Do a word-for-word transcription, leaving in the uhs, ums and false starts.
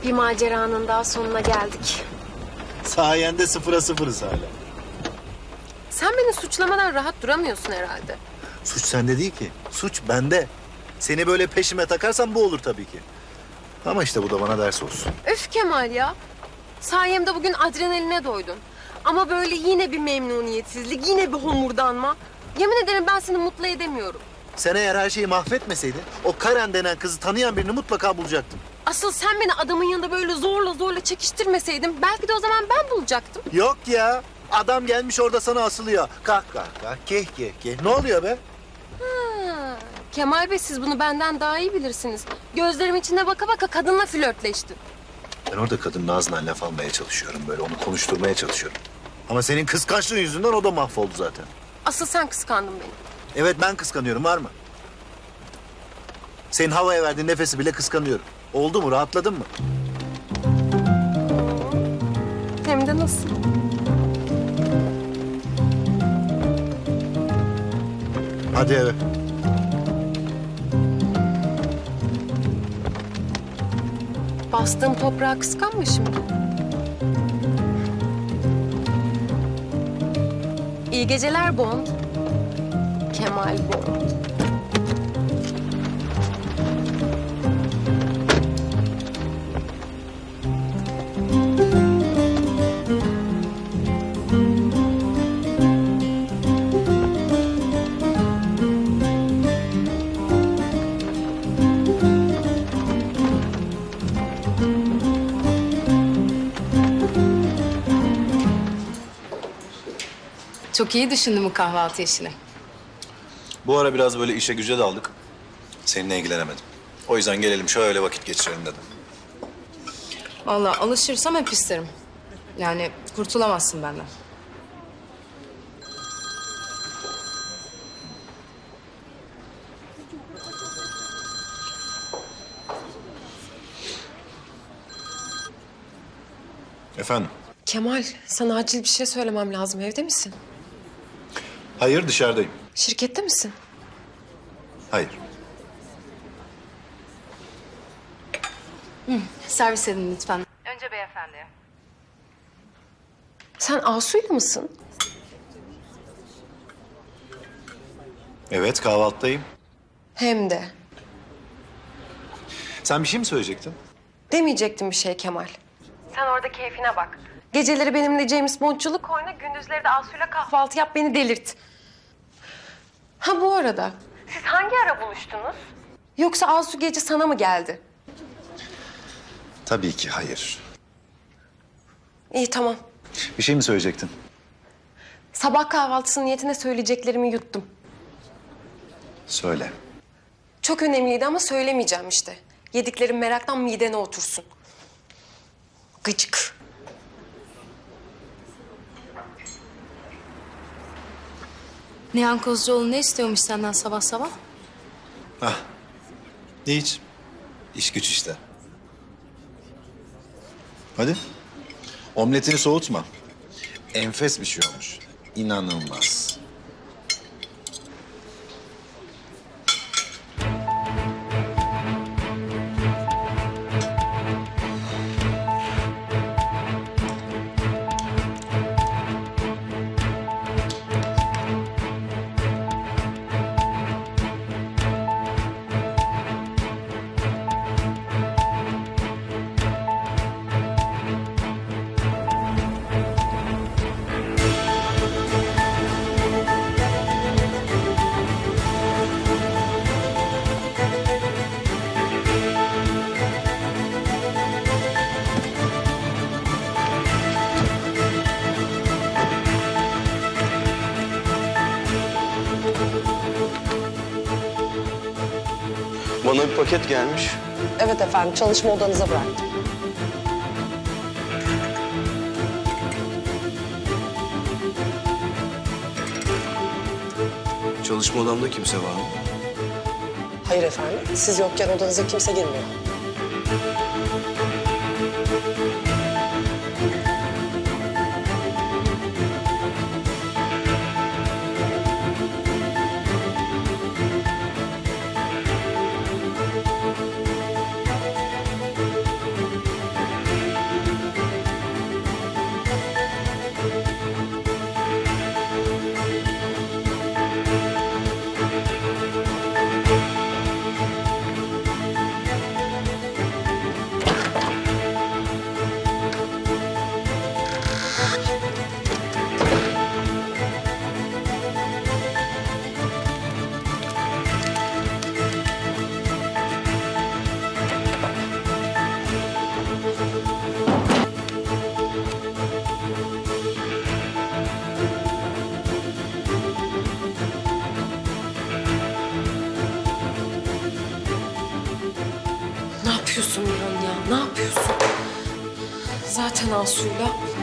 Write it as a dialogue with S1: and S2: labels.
S1: Bir maceranın daha sonuna geldik.
S2: Sayende sıfıra sıfırız hala.
S1: Sen beni suçlamadan rahat duramıyorsun herhalde.
S2: Suç sende değil ki. Suç bende. Seni böyle peşime takarsan bu olur tabii ki. Ama işte bu da bana ders olsun.
S1: Öf Kemal ya. Sayemde bugün adrenaline doydun. Ama böyle yine bir memnuniyetsizlik, yine bir homurdanma. Yemin ederim ben seni mutlu edemiyorum.
S2: Sen eğer her şeyi mahvetmeseydin o Karen denen kızı tanıyan birini mutlaka bulacaktım.
S1: Asıl sen beni adamın yanında böyle zorla zorla çekiştirmeseydin belki de o zaman ben bulacaktım.
S2: Yok ya. Adam gelmiş orada sana asılıyor. Kah kah kah, keh keh keh. Ne oluyor be?
S1: Ha, Kemal Bey siz bunu benden daha iyi bilirsiniz. Gözlerim içine baka baka kadınla flörtleştin.
S2: Ben orada kadının ağzından laf almaya çalışıyorum böyle. Onu konuşturmaya çalışıyorum. Ama senin kıskançlığın yüzünden o da mahvoldu zaten.
S1: Asıl sen kıskandın beni.
S2: Evet ben kıskanıyorum, var mı? Senin havaya verdiğin nefesi bile kıskanıyorum. Oldu mu? Rahatladın mı?
S1: Hem de nasıl?
S2: Hadi eve.
S1: Bastığım toprağa kıskanma şimdi. İyi geceler Bond. Kemal Bond.
S3: Çok iyi düşündün bu kahvaltı işini.
S4: Bu ara biraz böyle işe güce daldık. Seninle ilgilenemedim. O yüzden gelelim şöyle vakit geçirelim dedim.
S3: Vallahi alışırsam hep isterim. Yani kurtulamazsın benden.
S4: Efendim?
S1: Kemal, sana acil bir şey söylemem lazım. Evde misin?
S4: Hayır, dışarıdayım.
S1: Şirkette misin?
S4: Hayır.
S3: Servis edin lütfen.
S1: Sen Asu'yla mısın?
S4: Evet, kahvaltıdayım.
S1: Hem de.
S4: Sen bir şey mi söyleyecektin?
S1: Demeyecektim bir şey Kemal. Sen orada keyfine bak. Geceleri benimle James Bond'culuk oyna, gündüzleri de Asu'yla kahvaltı yap, beni delirt. Ha bu arada. Siz hangi ara buluştunuz? Yoksa Asu gece sana mı geldi?
S4: Tabii ki hayır.
S1: İyi tamam.
S4: Bir şey mi söyleyecektin?
S1: Sabah kahvaltısı niyetine söyleyeceklerimi yuttum.
S4: Söyle.
S1: Çok önemliydi ama söylemeyeceğim işte. Yediklerim meraktan midene otursun. Gıcık.
S3: Nihan Kozcuoğlu ne istiyormuş senden sabah sabah?
S4: Hah. Hiç. İş güç işte. Hadi. Omletini soğutma. Enfes bir şey olmuş. İnanılmaz.
S5: Bana bir paket gelmiş.
S6: Evet efendim, çalışma odanıza bıraktım.
S5: Çalışma odamda kimse var mı?
S6: Hayır efendim, siz yokken odanıza kimse girmiyor.
S1: yapıyorsun Miran ya? Ne yapıyorsun? Zaten Asu'yla